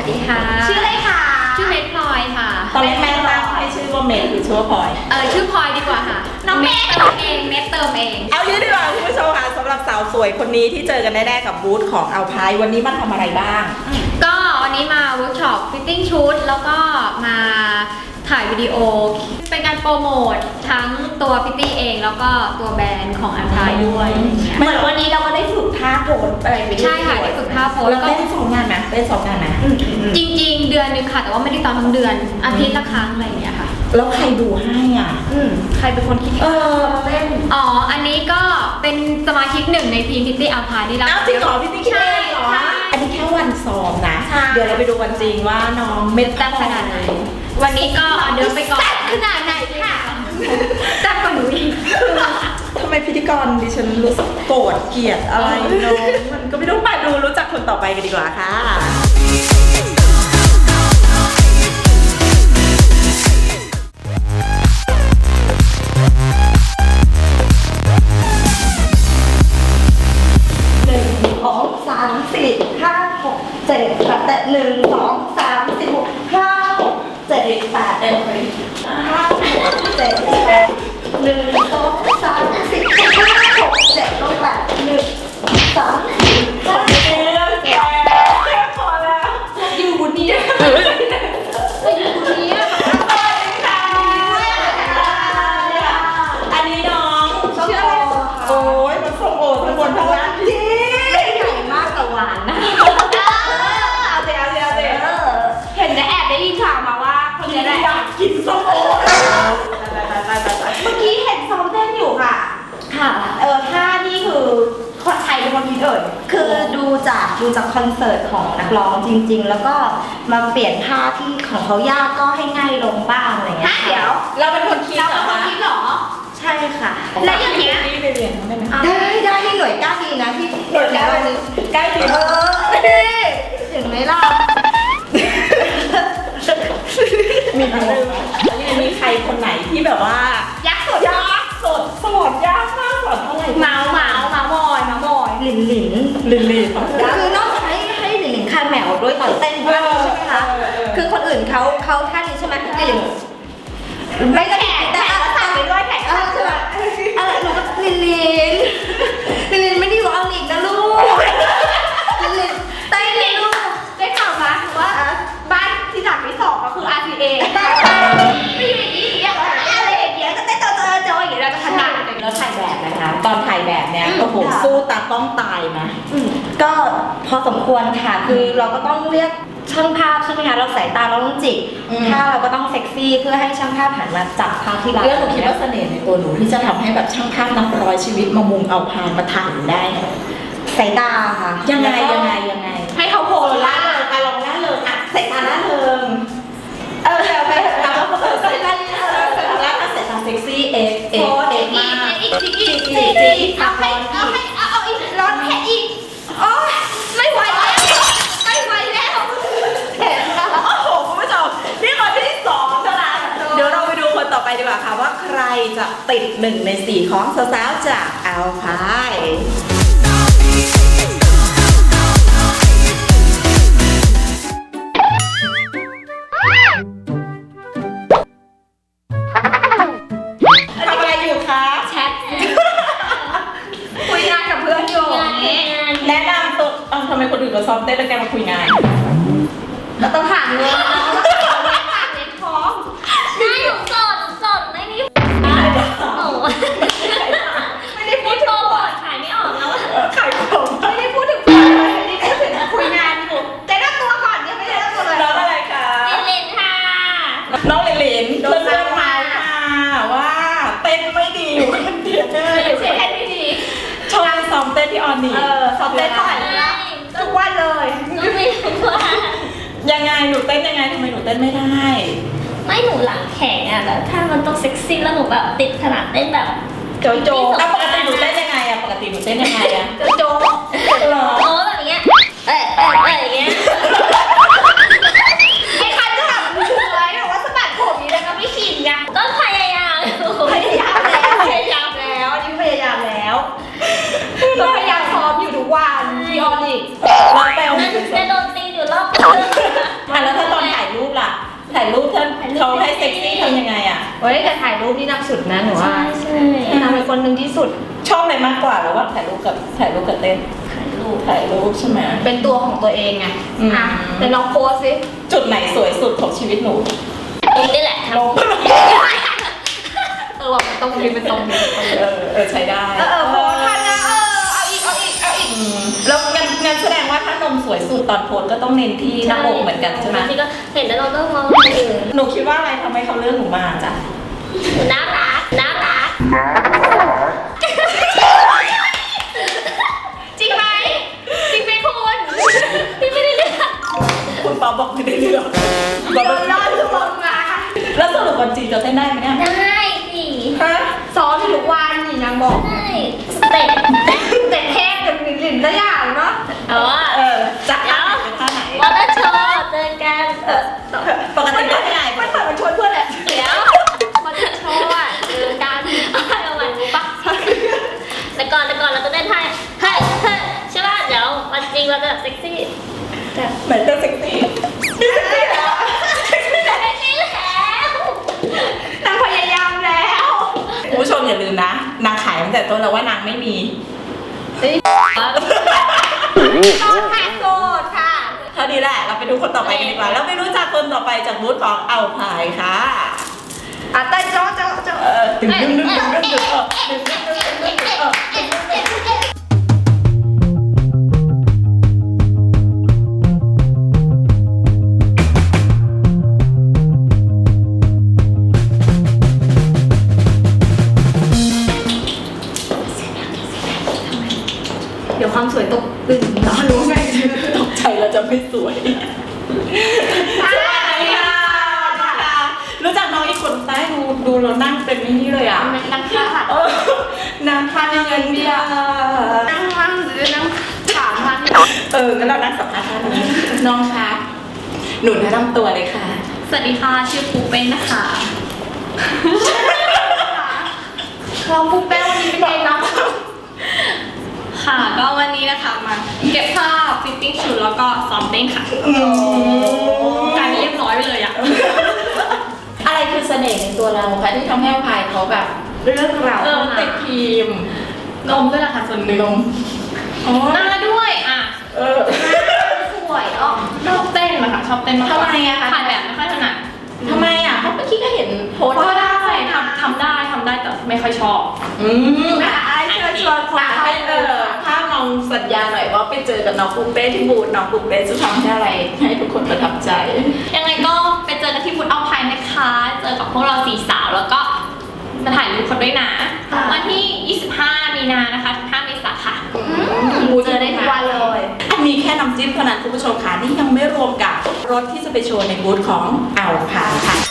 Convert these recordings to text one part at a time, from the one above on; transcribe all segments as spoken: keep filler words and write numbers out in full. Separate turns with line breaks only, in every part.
สดีค่ะชื่ออะไรคะชื่อเมทพลอยค่ะ
ตอนแรกแม่ตั้งให้ชื่อว่าเมทหรือชื่อว่าพลอย
เออชื่อพลอยดีกว่าค่ะน้องเมทเติมเองเมทเติมเอง
เอางี้ดีกว่าคุณผู้ชมค่ะสำหรับสาวสวยคนนี้ที่เจอกันแน่ๆกับบูธของเอาพายวันนี้มาทำอะไรบ้าง
ก็วันนี้มาเวิร์กช็อปฟิตติ้งชุดแล้วก็มาถ่ายวิดีโอเป็นการโปรโมททั้งตัวพิตตี้เองแล้วก็ตัวแบรนด์ของอันทายด้วย
เหมือนวันนี้เราก็ได้ฝึกท่าโพสอะไรไปด้วย
ใช่ค่ะได้ฝึกท่าโพส
แล้วก็ได้สองงานไหมได้สองงานไหม
จริงๆเดือนนึงค่ะแต่ว่าไม่ได้ตอนทั้งเดือนอาทิตย์ละครั้งอะไรอย่างเงี้ยค่ะ
แล้วใครดูให้อ่ะ
ใครเป็นคนคิดเออเล่นอ๋ออันนี้ก็เป็นสมาชิกหนึ่งในทีมพิตตี้อัลพายที่เรา
จริงเหรอพิตตี้คิดเองเหรออันนี้แค่วันซ้อมนะเดี๋ยวเราไปดูวันจริงว่าน้องเม็ดตั้งขนาดไหน
วันนี้ก็เดินไปก่อน
ขนาดไหนค่ะ
จัดกว่าหนูอีก
ทำไมพิธีกรดิฉันรู้สึกโกรธเกลียดอะไรน้องมันก็ไม่ต้องมาดูรู้จักคนต่อไปกันดีกว่าค่ะหนึ่งสองสามสี่ห้าหกเจ็ดแปดแต่หนึ่งสองสามสี่หกห้าหกเจ็ดแปดเอ็ดห้าเจ็ดแปดหนึ่งสองสามสี่ห้าหกเจ็ดแปดหนึ่งสองสามสี่ห้าหกเจ็ดแปดพอแล้วอยู่บนนี้อยู่บนนี้อันนี้น้องชื่ออะไรโอ้ยมันส้มโอทั้งบนทั้งล่างดี
ใหญ่มากแต่หวานนะ
เอาเดี๋ยวเดี๋ยวเดี๋ยว
เห็นได้แอบได้ยินข่าวมาว่าคนนี้ได้
กินส้มโอ
เมื่อกี้เห็นซ้อมเต้นอยู่ค่ะค่ะเออท่านี่คือคนไทยเป็นคนคิดเอ่ย
คือดูจากดูจากคอนเสิร์ตของนักร้องจริงๆแล้วก็มาเปลี่ยนท่าที่ของเขายากก็ให้ง่ายลงบ้างอะไรเงี้ย
เดี๋ยว
เราเป็นคนคิดเหรอ
เราเป็นคนคิดเหรอ
ใช่ค่ะ
แล้วอย่างเงี้ย
นี่ไปเรียนได้ไหม
ได้ได้ที่หน่วยก้าวดีนะที่หน่วยก้าวดี
ก้าวดี
เออถึงไหมล่ะ
มีอะไรมีใครคนไหนที่แบบว่า
ยักษ์สด
ยักษ์สดสอนยากมากสอนเท่าไหร่
เมาเมาเมามอยเมามอย
หลินหลิน
หลินหลิน
คือนอกจากให้ให้หลินหลินคาแมวด้วยตอนเต้นด้วยใช่ไหมคะคือคนอื่นเขาเขาท่านี้ใช่ไหมหลิน
ไม่ก็แขกแต่ก็สั่งไปด้วยแขกก็ใช่ไหม
อะไรหนูก็ลินลินลินลินไม่ได้อยู่อังกฤษนะลูกลินลิน
เต้นลินลูกได้ข่าวมาว่าบ้านที่หลังที่สองก็คือ อาร์ ซี เอ ไม่อยู่อย่างนี้อย่างอะไรอย่างเงี้ยก็เต้นโจโจโจอย่างเงี้ยเราจะถนัด
แล้วถ่ายแบบนะคะตอนถ่ายแบบเนี้ยโอ้โหสู้ตาต้องตายนะ
ก็พอสมควรค่ะคือเราก็ต้องเรียกช่างภาพใช่ไหมคะเราสายตาเราต้องจิกถ้าเราก็ต้องเซ็กซี่เพื่อให้ช่างภาพหันมาจับภาพที่เรา
แล้วหนูคิดว่าเสน่ห์ในตัวหนูที่จะทำให้แบบช่างภาพนับร้อยชีวิตมามุงเอาพานมาถ่ายได้
สายตาค่ะ
ยังไงยังไงยังไง
ให้เขาโผล่ล่าเลย
การลองล่าเลยอ่ะสายตาล่าเลย
เออเอาไปเอา
ไปสายตาล่าล่าสายตาเซ็กซี่เอ็กเอ็กเอ็กมาก
อีกอีกอีกอีกอีกเอาให้เอาให้เอาเอาอีกร้อนแค่อีกโอ้ไม่ไหวแล้วไม่ไหวแล้ว
เห็นค่ะโอ้โหคุณผู้ชมนี่คนที่สองเท่านั้นเดี๋ยวเราไปดูคนต่อไปดีกว่าค่ะว่าใครจะติดหนึ่งในสี่ของสาวๆจากอัลพายทำอะไรอยู่คะ
แชทคุยงานกับเพื่อนอยู่
แนะนำตัวทำไมคนอื่นเขาซ้อมเต้นแล้วแกมาคุยงาน
เราต้องหาเงินเราต้องหาเงินฝากเงินท้อง
ไม่หนูสดสดไม่มีหนูไม่ได้พูดโปรโมทขายไม่ออกแล้ว
ขายของ
ไม่ได้พูดถึงไม่ได้พูดถึงคุยงานอยู่แต่นั่งตัวก่อนยังไม่ได้นั่งตัวเลย
น้องอะไรคะ
เลนค่ะ
น้องเลนเลนโดนเรื่องมาค่ะว่าเต้นไม่ดีอยู่คนเดียว
เลยเต้นไม่ดี
ชอบซ้อมเต้นที่ออนนี่
เออซ้อมเต้นเท่าไหร่แล้วทุกวันเลย
ก็ไม่ทุกวัน
ยังไงหนูเต้นยังไงทำไมหนูเต้นไม่ได้
ไม่หนูหลังแข็งอ่ะแต่ถ้ามันต้องเซ็กซี่แล้วหนูแบบติดขนาดเต้นแบบ
โจโจแล้วปกติหนูเต้นยังไงอะปกติหนูเต้นยังไงอะ
โจโจ
หรอ
โอ้แบบเงี้ยเอ๊ะเอ๊ะเอ๊ะอย่างเงี้ย
ไอ้คันจะแบบช่วยบอกว่าสะบัดผมนี้แล้วก็ไม่ชินไง
ก็พยายาม
พยายามแล้วพยายามแล้วนี่พยายามแล้วก็พยายามซ้อมอยู่ทุกวันที่ออนอีก
แล้วแต่
จะโดนตีอยู่รอบ
นะหนูว่า
ใช่ใช่
นางเป็นคนหนึ่งที่สุด
ชอบอะไรมากกว่าหรือว่าถ่ายรูปกับถ่ายรูปกับเต้นถ่ายรูปถ่ายรูปใช่ไหม
เป็นตัวของตัวเองไง
อืม
อ่ะแต่ลองโพสสิ
จุดไหนสวยสุดของชีวิตหนู
ตรงนี้แหละทำ
ลง
เออว่ามันตรงนี้เป็นตรงนี้
เออเออใช้ได้
เออเออโพสทันนะเออเอาอีกเอาอีกเอาอีก
อืมแล้วงั้นงั้นแสดงว่าถ้านมสวยสุดตอนโพสก็ต้องเน้นที่หน้าอกเหมือนกันใช่ไหม
ที่ก็เห็นแล้วเราก็มองคนอื่น
หนูคิดว่าอะไรทำให้เขาเลือกหนูมาจ้ะ
น่ารักน่ารัก
จริงไหมจริงไหมคุณ
พี่ไม่ได้เลือก
คุณป๊อปบอกไม่ได้เลือกบอกว่า
รอดลงมา
แล้วสรุปวันจริงจะเต้นได้ไหมเนี่ย
ได้สิ
ฮะ
ซ้อมอยู่ทุกวันนี่นางบอก
ได้สเต็ป
แต่เทพกับหลินหลินตัวอย่างเนาะ
เออ
เออจะท่าไหนเป็นท่าไหน
วอเตอร์โชว์เจอกัน
เออปกติได้ไง
มันเหมือนมันชวนเพื่อนแหละ
เดี๋ยววอเตอร์โชว์อ่ะเจอกันเอาใหม่ปะแต่ก่อนแต่ก่อนเราจะเต้นท่าเฮ้ยเฮ้ยใช่ป่ะเดี๋ยววันจริงเราจะแบบเซ็กซี่แบบ
เหมือนเต้นเซ็กซี่
เซ็กซี่แล้ว
นางพยายามแล้ว
คุณผู้ชมอย่าลืมนะ นางขายตั้งแต่ต้นแล้วว่านางไม่มี
ต้องแพ้โสดค่ะ
เท่านี้แหละ เราไปดูคนต่อไปกันดีกว่า แล้วไปรู้จักคนต่อไปจากบูธของเอาพายค่ะ
อ่ะเต้นโจ๊ะโจ๊ะโจ๊ะ
เออดึงดึงดึงดึงดึงดึงเออดึงดึงดึงดึงดึงเออ
เดี๋ยวความสวยตกตึงเนาะรู้ไหม
ตกใจเราจะไม่สวย
ใช่ค่ะ
รู้จักน้องอีกคนใต้ดูดูแล้วนั่งเป็นนี่เลยอ่ะ
มันนั่งข้างค่ะ
เออนางทานเงินเบียร์
นั่งนั่งหรือนั่งถามทาง
เอองั้นเรานั่งสัมภาษณ์ท่านนี้น้องคะหนูแนะนำตัวเลยค่ะ
สวัสดีค่ะ ชื่อปูเป็นนะคะ
เราปุ๊บแป้งวันนี้เป็นไงเนาะ
ค่ะ ก็วันนี้นะคะมาเก็บภาพฟิตติ้งชุดแล้วก็ซ้อมเต้นค่ะกลายเป็นเรียบร้อยไปเลยอะ
อะไรคือเสน่ห์ในตัวเราคะที่ทำให้พายเขาแบบ
เรื่องราว
เออติดทีม
นมด้วยล่ะค่ะส่วนหนึ่ง
นมอ๋อ
หน้าด้วยอ่ะ
เออ
สวยอ๋อ
ชอบเต้นนะคะชอบเต้นมากกว่า
ทำไมอะคะ
ถ่ายแบบไม่ค่อยถนัด
ทำไมอ่ะเพราะเมื่อกี้ก็เห็นโพสต์
ก็ได้ทำทำได้ทำได้แต่ไม่ค่อยชอบ
อืม
อ่ะไอ้เชิญชวนคน
อ่ะ
เข้า
ให้เออถ้าน้องสัญญาหน่อยว่าไปเจอกับน้องปุ้มเป้ที่บูธน้องปุ้มเป้จะทำให้อะไรให้ทุกคนประทับใจ
ยังไงก็ไปเจอกันที่ฟุตเอาพายนะคะ เจอกับพวกเราสี่สาวแล้วก็มาถ่ายรูปคนด้วยนะ วันที่ ยี่สิบห้า มีนานะคะถึงห้าเมษายนค่ะ
เจอได้ทุกวันเลย
อันนี้แค่น้ำจิ้มเท่านั้นคุณผู้ชมค่ะนี่ยังไม่รวมกับรถที่จะไปโชว์ในบูธของอ่าวพายค่ะ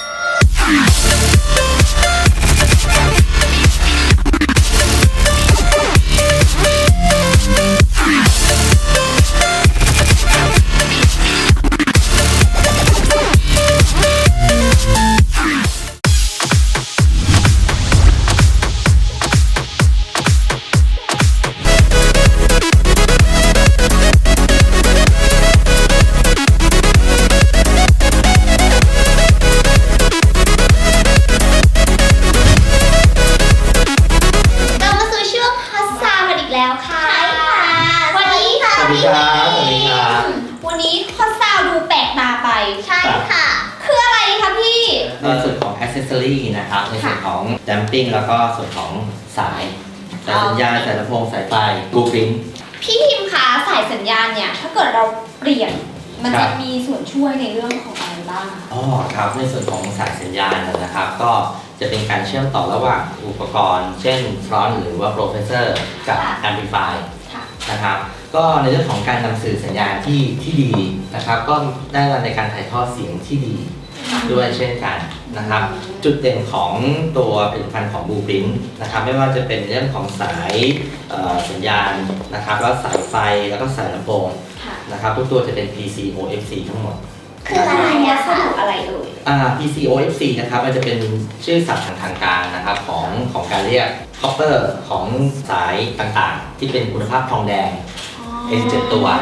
เรามาสู่ช่วงฮอตซาวกันอีกแล้วค่ะใช่ค่ะวันนี้ค่ะ
สวัสดีครับสวัสดีครับ
วันนี้ฮอตซาวดูแปลกตาไปใช่ค่ะ คืออะไรคะพี่
ในส่วนของ accessory นะครับ ในส่วนของ damping แล้วก็ส่วนของสายสายสัญญาณสายลำโพงสายไฟ blueprint
พี่พิมพ์คะสายสัญญาณเนี่ย ถ้าเกิดเราเปลี่ยน มัน
ครั
จะ
บ
มีส่วนช่วยในเรื่องของอะไรบ้างคะ
อ๋อครับ ในส่วนของสายสัญญาณนะครับ ก็จะเป็นการเชื่อมต่อระหว่างอุปกรณ์ เช่น front หรือว่า processor กับ amplify
ค่ะ
นะครับ ก็ในเรื่องของการนำสื่อสัญญาณที่ที่ดีนะครับ ก็ได้ในการถ่ายทอดเสียงที่ดีด้วยเช่นกันนะครับ จุดเด่นของตัวผลิตภัณฑ์ของ Blueprint นะครับ ไม่ว่าจะเป็นเรื่องของสายเอ่อสัญญาณนะครับ แล้วสายไฟแล้วก็สายลำโพง
ค่ะ
นะครับ ทุกตัวจะเป็น พี ซี โอ เอฟ ซี ทั้งหมด
คืออะไรอะสรุปอะไรเอ่ย
อ่า พี ซี โอ เอฟ ซี นะครับ มันจะเป็นชื่อศัพท์ทางทางการนะครับของของการเรียกคอปเปอร์ของสายต่างๆ ที่เป็นคุณภาพทองแดง เอ็น เจ็ด ตัว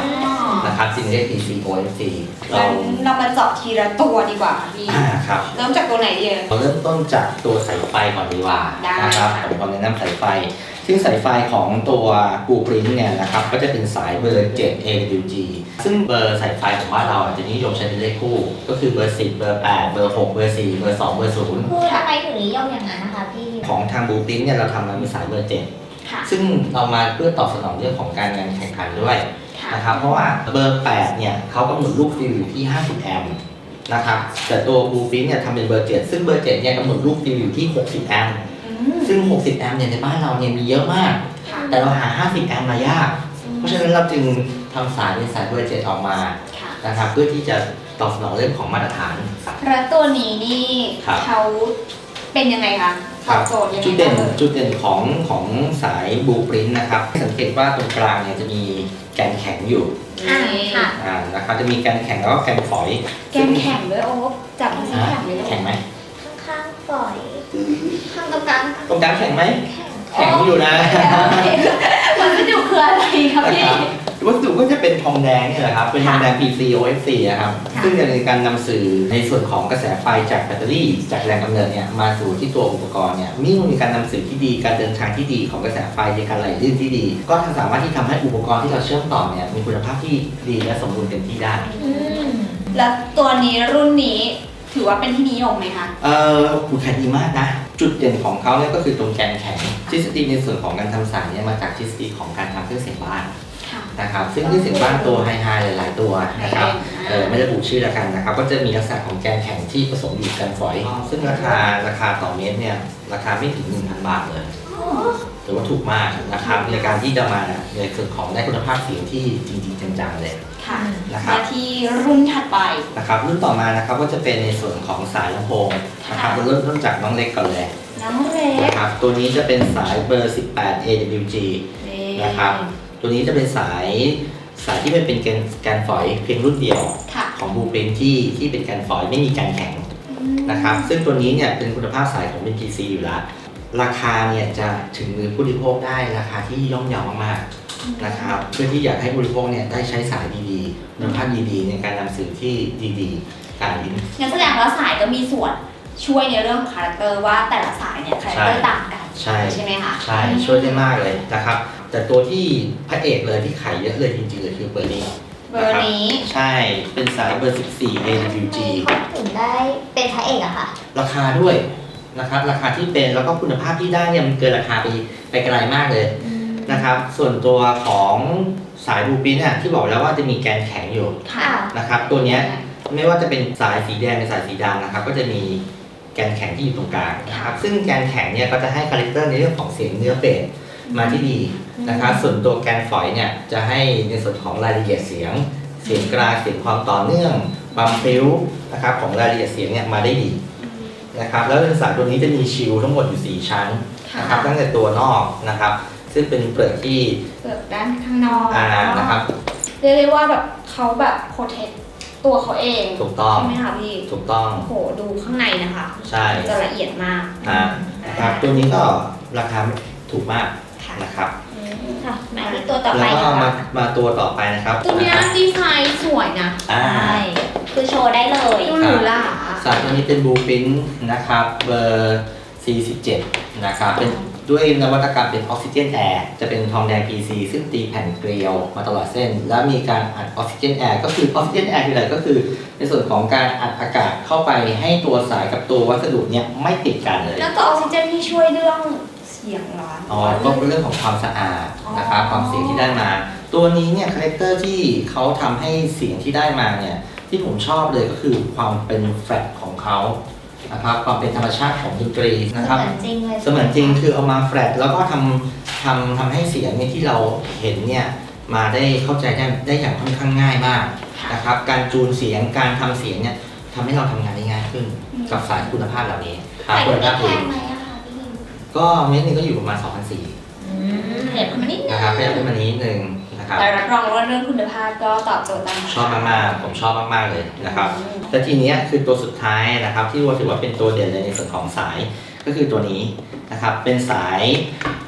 นะครับจึงเรียก พี ซี โอ เอฟ ซี เรา
งั้นเรามาเจาะทีละตัวดีกว่าพี่
อ่าครับ
เริ่มจากตัวไหนดีเอ่ย
เราเริ่มต้นจากตัวสายไฟก่อนดีกว่า
ได้
นะครับผมขอแนะนำสายไฟ ซึ่งสายไฟของตัวกูปริ้นเนี่ยนะครับก็จะเป็นสายเบอร์ เจ็ด เอ ดับเบิลยู จี ซึ่งเบอร์สายไฟของบ้านเราอ่ะจะนิยมใช้เป็นเลขคู่ ก็คือเบอร์สิบเบอร์แปดเบอร์หกเบอร์สี่เบอร์สองเบอร์ศูนย์
คือทำไมถึงนิยมอย่างนั้นนะคะพี่
ของทางบูปริ้นเนี่ยเราทำมาเป็นสายเบอร์เจ็ด
ค่ะ
ซึ่งเรามาเพื่อตอบสนองเรื่องของการงานแข่งขันด้วย
ค่ะ
นะครับเพราะว่าเบอร์แปดเนี่ยเขากำหนดลูกฟิลอยู่ที่ห้าสิบแอมป์นะครับแต่ตัวบูปริ้นเนี่ยทำเป็นเบอร์เจ็ดซึ่งเบอร์เจ็ดเนี่ยกำหนดลูกฟิลอยู่ที่หกสิบแอมป์
อืม
ซึ่งหกสิบแอมป์เนี่ยในบ้านเราเนี่ยมีเยอะมาก
ค่ะ
แต่เราหาห้าสิบแอมป์มายาก เพราะฉะนั้นเราจึงทำสายเป็นสายเบอร์เจ็ดออกมา
ค่ะ
นะครับเพื่อที่จะตอบสนองเรื่องของมาตรฐาน
แล้วตัวนี้นี่
ครับ
เขาเป็นยังไงคะตอบโจทย์ยังไง
จุดเด่น
บ้าง
จุดเด่นของของสายบูปริ้นนะครับสังเกตว่าตรงกลางเนี่ยจะมีแกนแข็งอยู่
อ่าค่ะ
อ่านะครับจะมีแกนแข็งแล้วก็แกนฝอย
แกนแข็งด้วยโอ๊คจับมันสิ
อ่า
แข็งเลยลูก
แข็งไหม
ข้างๆปล่อย ข้างตรงกลาง
ตรงกลางแข็งไหม
แข็ง
แข็งอยู่นะ
มันจะอยู่คืออะไรคะ
นะ
พี่
ครับวัสดุก็จะเป็นทองแดงนี่แหละครับ เป็นทองแดง พี ซี โอ เอฟ ซี นะครับ
ค่ะ
ซึ่งจะเป็นการนำสื่อในส่วนของกระแสไฟจากแบตเตอรี่ จากแรงกำเนิดเนี่ยมาสู่ที่ตัวอุปกรณ์เนี่ยมิ่งมีการนำสื่อที่ดี การเดินทางที่ดีของกระแสไฟในการไหลลื่นที่ดี ก็สามารถที่ทำให้อุปกรณ์ที่เราเชื่อมต่อเนี่ยมีคุณภาพที่ดีและสมบูรณ์เต็มที่ได้
อืม
แล้วตัวนี้รุ่นนี้ถือว่าเป็นที่นิยมไหมคะ
เอ่อคุณขายดีมากนะ จุดเด่นของเขาเนี่ยก็คือตรงแกนแข็ง ทฤษฎีในส่วนของการทำสายเนี่ยมาจากทฤษฎีของการทำเครื่องเสียงบ้าน
ค่ะ
นะครับ ซึ่งเครื่องเสียงบ้านตัวไฮไฮหลายๆตัวนะครับ
ไฮๆ
เออไม่ระบุชื่อแล้วกันนะครับ ก็จะมีลักษณะของแกนแข็งที่ผสมอยู่กันฝอย ซึ่งราคาราคาต่อเมตรเนี่ยราคาไม่ถึง หนึ่งพัน บาทเลยถือว่าถูกมากนะครับในการที่จะมาในส่วนของได้คุณภาพเสียงที่จริงๆจังๆเลย
ค่ะ
นะครับ
มาที่รุ่นถัดไป
นะครับรุ่นต่อมานะครับก็จะเป็นในส่วนของสายลำโพงนะครับ
ค่ะ
เราเริ่มต้นจากน้องเล็กก่อนเลย
น้องเล็ก
นะครับตัวนี้จะเป็นสายเบอร์ สิบแปด เอ ดับเบิลยู จี นะครับตัวนี้จะเป็นสายสายที่มันเป็นแกนแกนฝอยเพียงรุ่นเดียว
ค่ะ
ของบูปรินที่ที่เป็นแกนฝอยไม่มีแกนแข็งนะครับซึ่งตัวนี้เนี่ยเป็นคุณภาพสายของเป็น พี ซี อยู่แล้วราคาเนี่ยจะถึงมือผู้บริโภคได้ราคาที่ย่อมเยาวมากๆนะครับเพื่อที่อยากให้ผู้บริโภคเนี่ยได้ใช้สายดีๆคุณภาพดีๆในการนำสื่อที่ดีๆการลิ้น
งั้นแสดงว่าสายก็มีส่วนช่วยในเรื่องของคาแรคเตอร์ว่าแต่ละสายเนี่ยคาแรคเตอร์ต่างกัน
ใช่
ใช่ไหมคะ
ใช่ช่วยได้มากเลยนะครับ แต่ตัวที่พระเอกเลยที่ขายเยอะเลยจริงๆเลยคือเบอร์นี้
เบอร์นี้
ใช่เป็นสายเบอร์ สิบสี่ เอ ดับเบิลยู จี
เขาถึงได้เป็นพระเอกอะค่ะ
ราคาด้วยนะครับราคาที่เป็นแล้วก็คุณภาพที่ได้เนี่ยมันเกินราคาไปไปไกลมากเลยนะครับ ส่วนตัวของสายบูปินเนี่ยที่บอกแล้วว่าจะมีแกนแข็งอยู่
ค่ะ
นะครับ ตัวเนี้ยไม่ว่าจะเป็นสายสีแดงหรือสายสีดำนะครับ ก็จะมีแกนแข็งที่อยู่ตรงกลางนะครับ ซึ่งแกนแข็งเนี่ยก็จะให้คาแรคเตอร์ในเรื่องของเสียงเนื้อเบสมาที่ดีนะครับ ส่วนตัวแกนฝอยเนี่ยจะให้ในส่วนของรายละเอียดเสียง เสียงกลางเสียงความต่อเนื่องความพริ้วนะครับของรายละเอียดเสียงเนี่ยมาได้ดีนะครับแล้วสายตัวนี้จะมีชิลทั้งหมดอยู่สี่ชั้นนะครับตั้งแต่ตัวนอกนะครับ ซึ่งเป็นเปลือกที่
เปลือกด้านข้างนอก
อ่านะครับ
เรียกได้ว่าแบบเขาแบบโปรเทคตัวเขาเอง
ถูกต้อง
ใช่ไหมคะพี่
ถูกต้อง
โอ้โหดูข้างในนะคะ
ใช่
จะละเอียดมาก
อ่านะครับตัวนี้ก็ราคาถูกมาก
ค่ะ
นะครับ
ค่ะ มาที่ตัวต่อไป
แล้วก็
นะ
มา
คะ
มาตัวต่อไปนะครับ
ตัวเนี้ย
นะครับ
ดีไซน์สวยนะ
อ่า
ใช่ คือโชว์ได้เลย
ดูหรูหรา
สายตัวนี้เป็นบูฟินนะครับเบอร์ สี่สิบเจ็ด นะครับเป็นด้วยนวัตกรรมเป็นออกซิเจนแอร์จะเป็นทองแดง พี ซี ซึ่งตีแผ่นเกลียวมาตลอดเส้น แล้วมีการอัดออกซิเจนแอร์ก็คือออกซิเจนแอร์คืออะไรก็คือในส่วนของการอัดอากาศเข้าไปให้ตัวสายกับตัววัสดุเนี่ยไม่ติดกันเลย
แล้วตัวออกซิเจนที่ช่วยเรื่องเสียงร้อน
อ๋อก็เป็นเรื่องของความสะอาดนะครับ
อ๋อ
ความเสียงที่ได้มา ตัวนี้เนี่ยคาแรคเตอร์ที่เขาทำให้เสียงที่ได้มาเนี่ยที่ผมชอบเลยก็คือความเป็นแฟลตของเขานะครับความเป็นธรรมชาติของดนตรีนะครับ
เหมือนจริงเลย
เสมือนจริงคือเอามาแฟลตแล้วก็ทำทำทำให้เสียงเนี่ยที่เราเห็นเนี่ยมาได้เข้าใจได้ได้อย่างค่อนข้างง่ายมากนะครับการจูนเสียงการทำเสียงเนี่ยทำให้เราทำงานได้ง่ายขึ้นกับสายคุณภาพเหล่านี้ครับ
แต่
คุณ
ไม่
ภาพ
แพ
ดี
งไหมอะคะพี่
ก็เม็ดหนึงก็อยู่ประมาณสองพันสี่
อืมเห็นมันนิดนึง
นะครับขยับขึ้นมานิดนึงนะครับ
แต่รับรองว่าเรื่องคุณภาพก็ตอบโจทย์ตาม
ชอบมากๆผมชอบมากๆเลยนะครับแต่ทีเนี้ยคือตัวสุดท้ายนะครับที่ว่าถือว่าเป็นตัวเด่นเลยในส่วนของสายก็คือตัวนี้นะครับเป็นสาย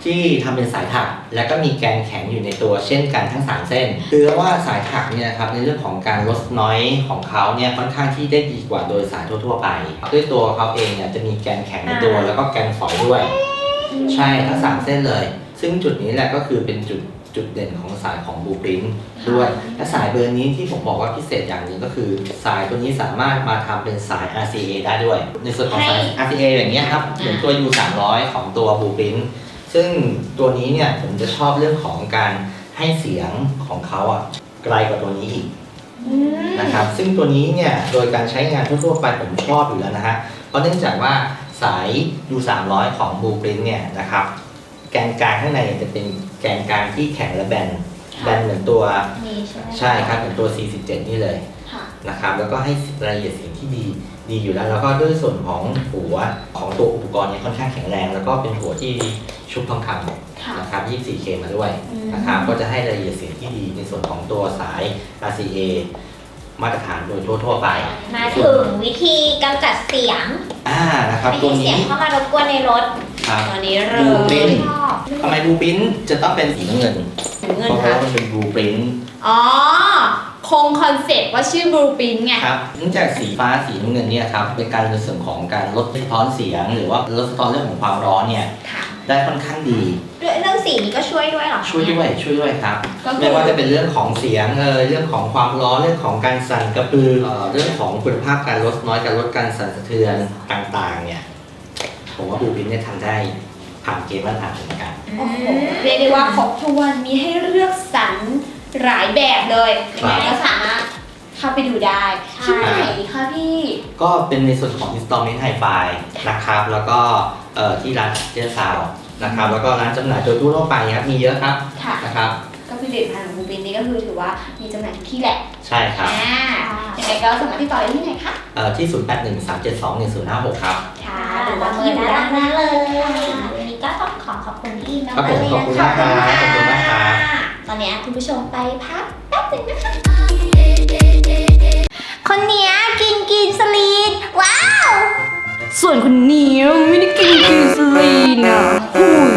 ที่ทำเป็นสายถัก แล้วก็มีแกนแข็งอยู่ในตัวเช่นกันทั้งสามเส้นคือว่าสายถักเนี่ยนะครับในเรื่องของการลดน้อยของเขาเนี่ยค่อนข้างที่ได้ดีกว่าโดยสายทั่วๆไปด้วยตัวเขาเองเนี่ยจะมีแกนแข็งในตัวแล้วก็แกนฝอยด้วย ใช่ทั้งสามเส้นเลย ซึ่งจุดนี้แหละก็คือเป็นจุดจุดเด่นของสายของ Blueprint ด้วย และสายเบอร์นี้ที่ผมบอกว่าพิเศษอย่างหนึ่งก็คือสายตัวนี้สามารถมาทำเป็นสาย อาร์ ซี เอ ได้ด้วย ในส่วนของสาย อาร์ ซี เอ อย่างเงี้ยครับเหมือนตัว ยู สามร้อย ของตัว Blueprint ซึ่งตัวนี้เนี่ยผมจะชอบเรื่องของการให้เสียงของเขาอ่ะไกลกว่าตัวนี้อีกนะครับซึ่งตัวนี้เนี่ยโดยการใช้งานทั่วๆไปผมชอบอยู่แล้วนะฮะเพราะเนื่องจากว่าสาย ยู สามร้อย ของ Blueprint เนี่ยนะครับแกนกลางข้างในจะเป็นแกนกลางที่แข็งและแบนแบนเหมือนตัว
นี่ใช่ไหม
ใช่ครับเหมือนตัว สี่สิบเจ็ด นี่เลย
ค่ะ
นะครับแล้วก็ให้รายละเอียดเสียงที่ดีดีอยู่แล้วแล้วก็ด้วยส่วนของหัวของตัวอุปกรณ์เนี่ยค่อนข้างแข็งแรง แล้วก็เป็นหัวที่ชุบทองคำนะครับ ยี่สิบสี่เค มาด้วยนะครับก็จะให้รายละเอียดเสียงที่ดีในส่วนของตัวสาย อาร์ ซี เอ มาตรฐานโดยทั่วๆไป
มาถึงวิธีกำจัดเสียง
อ่านะครับ
ไม่
ตัว
ให้เสีย
นี้
งเข้ามารบกวนในรถ
ครับ
ตัวนี้เล
บูปริ้
ย
น ทำไม Blueprint จะต้องเป็นสีน้ำเงิน
เงิน
เพราะ
ค่ะ
ว่ามันเป็น Blueprint
อ๋อ คงคอนเซ็ปต์ว่าชื่อบลูปินไง
ครับเนื่องจากสีฟ้าสีน้ำเงินเนี่ยครับเป็นการในส่วนของการลดสะท้อนเสียง หรือว่าลดสะท้อนเรื่องของความร้อนเนี่ย
ค่ะ
ได้ค่อนข้างดี
ด้วยเรื่องสีนี้ก็ช่วยด้วยเหรอคะ
ช่วยด้วยช่วยด้วยครับ
ก็คือ
ไม่ว่าจะเป็นเรื่องของเสียงเออเรื่องของความร้อนเรื่องของการสั่นกระพือเอ่อเรื่องของคุณภาพการลดน้อยการลดการสั่นสะเทือนต่างๆเนี่ยผมว่าบูปินเนี่ยทำได้ผ่านเกณฑ์มาตรฐานเหมือนกัน
โอ้โหเรียกได้ว่าครบถ้วนมีให้เลือกสรรหลายแบบเลยยังไงก็สามารถเข้าไปดูได้ที่ไหนคะพี่
ก็เป็นในส่วนของ Installment Hi-Fi นะครับแล้วก็เอ่อที่ร้านเจอซาวนะครับแล้วก็ร้านจำหน่ายโดยทั่วไปครับมีเยอะครับ
ค่ะ
นะครับ
ก็ผลิตภัณฑ์ของบูปินนี่ก็คือถือว่ามีจำหน่ายทุกที่แหละ
ใช่ครับ
อ่ายังไงก็สามารถติดต่อได้ที่ไหนคะ
เอ่อที่ ศูนย์ แปด หนึ่ง สาม เจ็ด สอง หนึ่ง ศูนย์ ห้า หก ครับ
ค่ะ
ห
ห
รื
รือ อ
ว่า
ว่า
เบอ
ที่
ร์
อยู่
ด้า
ด้าน น
ห
ห
น้า
น้า
เล
เลย ย
วันนี้ก็ต้องขอขอบคุณพี่อิมมาก
ครับ
ๆ
ผม
เลย
ขอบ
นะ
คุณ
คะ
มากครับขอบคุณมากครับ
ตอนนี้คุณผู้ชมไปพักแป๊บหนึงนะคะ คนเนี้ยกินกินสลีน ว้าว
ส่วนคนนี้ไม่ได้กินกินสลีนอ่ะหูย